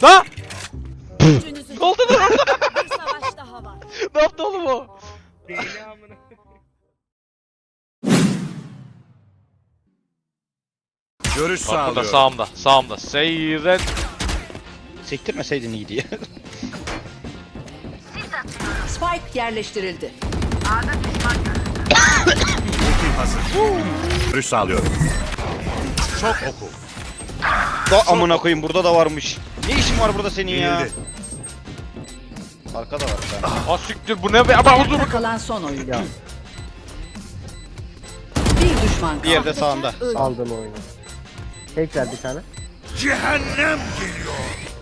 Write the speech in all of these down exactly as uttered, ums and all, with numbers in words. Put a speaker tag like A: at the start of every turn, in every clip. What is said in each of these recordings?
A: Da!
B: Gücünüzü
A: Ne oldu lan orada?
B: bir savaş daha var.
A: Ne yaptı oğlum o?
C: Deli amına.
D: Görüş
A: Bak burada
D: sağlıyorum.
A: sağımda. Sağımda. Seyret.
E: Sektirmeseydin iyiydi ya.
F: Spike yerleştirildi.
D: Ultim hazır. Görüş sağlıyorum. Çok oku.
E: Da amına koyayım burada da varmış. Ne işin var burada senin ya?
D: Yenildi.
E: Arkada var bir tane.
A: Ah siktir bu ne be? Ama
F: Ayakta
A: huzur.
F: kalan son oyuncu. Bir düşman kaldı.
E: Bir yerde sağında.
G: Aldım oyunu. Tekrar bir tane.
D: Cehennem geliyor.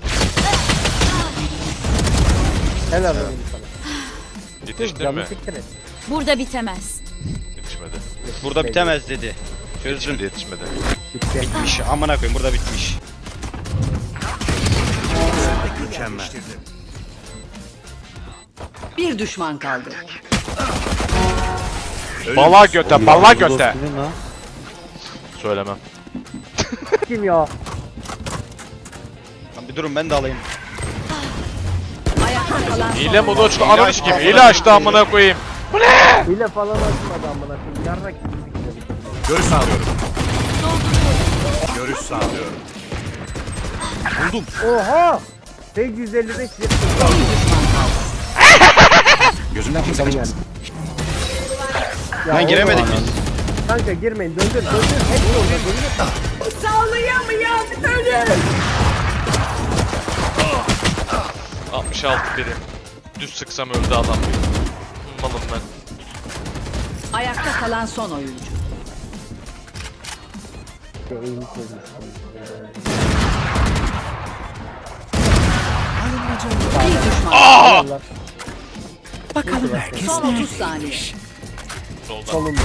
G: Helal olsun sana.
A: Yetiştin
G: Canı
A: mi?
G: siktir et.
B: Burada bitemez.
A: Yetişmedi.
E: Burada bitemez dedi. Çözdüm.
A: Yetişmedi yetişmedi.
G: Bitti.
E: Bitmiş. Amına koyayım burada bitmiş.
D: Mükemmel.
F: Bir düşman kaldı.
A: Bala göte, bala göte. Söylemem.
G: Kim ya?
E: Lan bir durun ben de alayım.
F: Ayakta kalan son
A: Hile modu
F: oyuncu.
A: açtı ananı sikeyim. Hile açtı amına koyayım.
G: Hile falan açmadı amına koyayım. Yarrak gibi bir kere.
D: Görüş sağlıyorum. Görüş sağlıyorum. Buldum.
G: Oha! sekiz yüz elli beş yetmiş.
D: Gözümden kimse kaçmasın.
G: Ya
E: Ben giremedik
G: oğlum,
E: biz.
G: Kanka girmeyin. Döndür döndür. Hep orada döndür.
A: altmış altı birim. Düz sıksam öldü adam. Malım ben.
F: Ayakta kalan son oyuncu.
G: Eğimi çözmüştüm.
F: Bir düşman.
G: Allah
F: Son otuz saniye.
A: Soldan.
G: solumda.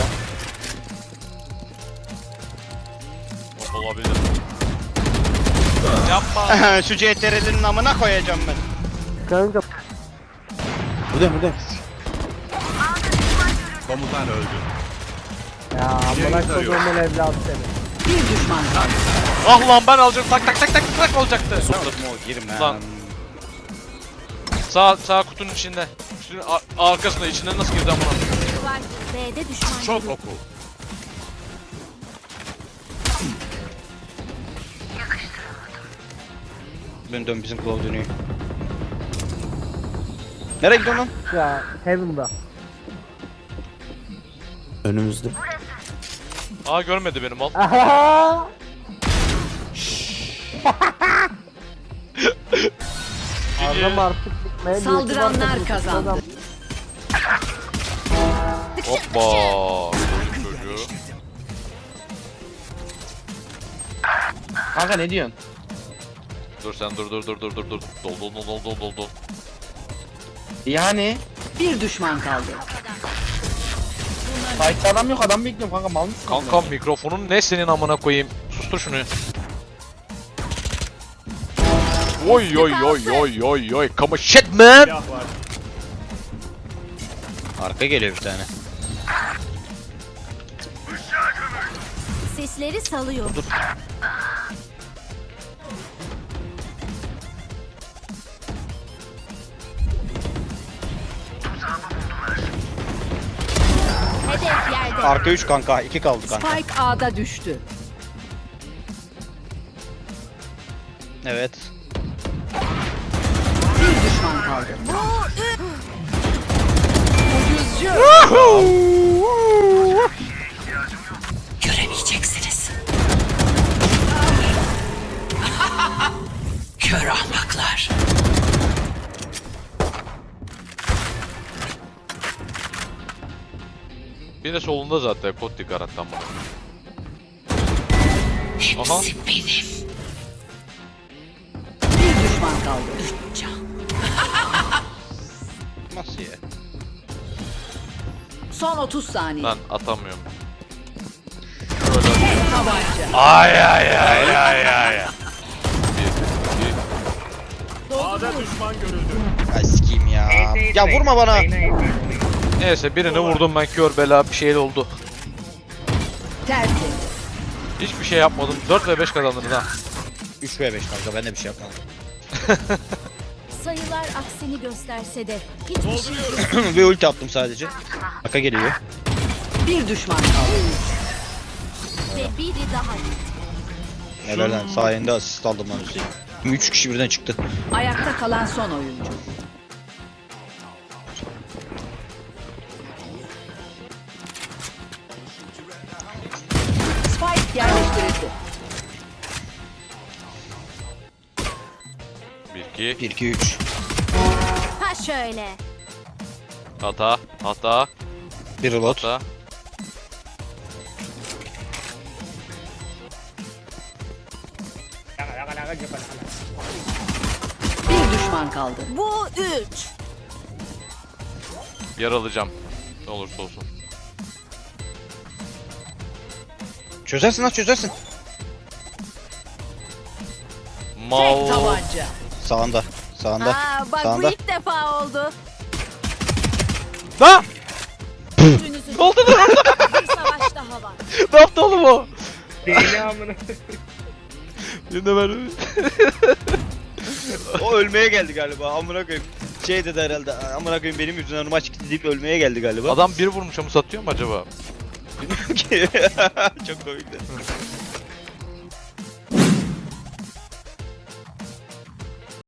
A: Olabilir. Yapma.
E: Şu C T R'lerin amına koyacağım ben.
G: Kanka
D: Komutan öldü.
G: ya amına
D: Yayın arıyor.
G: koyduğumun evladı seni.
F: Bir düşman kaldı.
A: Ah lan ben alacağım. Tak tak tak tak tak olacaktı.
E: O girme.
A: Lan. Sağ sağ kutunun içinde. Kutunun ar- arkasında içinden nasıl girdi amına?
B: Var. B'de düşman.
D: Çok oku.
E: Dön dön bizim Claw dönüyor. Nereye gidiyorsun lan?
G: Ya Heaven'da.
A: Aa görmedi beni mal.
G: Aha! Adam artık gitmeye
F: Saldıranlar kazandı.
A: Hoppa. Çocuk çocuğu.
C: Kanka ne diyorsun?
A: Dur sen dur dur dur dur dur dur. Dol dol dol dol dol dol dol.
C: Yani
F: Bir düşman kaldı.
C: fight'ta adam yok, adam bekliyorum kanka, mal mısın?
A: Kankam mikrofonun ne senin amına koyayım? Sustur şunu. Oy oy oy oy oy oy. Come on shit man.
E: Arka geliyor bir tane.
B: Sesleri salıyor. Hedef yerde.
E: Arka üç kanka. iki kaldı kanka.
F: Spike A'da düştü.
E: Evet.
F: Bir düşman kaldı. Göremeyeceksiniz. Kör ahmaklar.
A: Bir de solunda zaten kod dikarattan bana. Aha.
F: Bir düşman kaldı.
E: Nasıl ya?
F: Son otuz saniye.
A: Ben atamıyorum.
F: Tek tabanca.
A: Ay ay ay ay ay.
E: Ay sikeyim ya. Ya vurma bana.
A: Neyse birini vurdum ben kör bela bir şey oldu.
F: Tertemiz.
A: Hiçbir şey yapmadım. dört ve beş kazandınız ha.
E: üç ve beş kanka ben de bir şey yapmadım.
B: Sayılar aksini gösterse de hiçbir şey
E: Ve ulti attım sadece. Aka geliyor.
F: Bir düşman kaldı.
B: ve biri daha.
E: Helal lan sayende asist aldım lan Hüseyin. üç kişi birden çıktı.
F: Ayakta kalan son oyuncu. Spike yerleştirildi.
A: bir iki.
E: bir iki üç.
B: Ha şöyle.
A: Hata. Hata.
E: Bir reload.
A: Hata.
C: Laka laka laka laka laka.
F: Bir düşman kaldı.
B: Bu üç.
A: Yer alacağım. Ne olursa olsun.
E: Çözersin lan çözersin.
A: Mal.
F: Tek tabanca.
E: Sağında. Sağında.
B: Aa, bak
E: Sağında.
B: bu ilk defa oldu.
A: Ha!
B: Gücünüzü
A: Ne oldu lan?
B: bir savaş daha var.
A: Ne yaptı oğlum o?
C: Deli amına.
A: Yine ben.
E: O ölmeye geldi galiba. Amına koyayım. Şey dedi herhalde. Amına koyayım benim yüzümden maç gitti deyip ölmeye geldi galiba.
A: Adam bir vurmuş ama satıyor mu acaba?
E: Bilmiyorum ki. Çok komikti.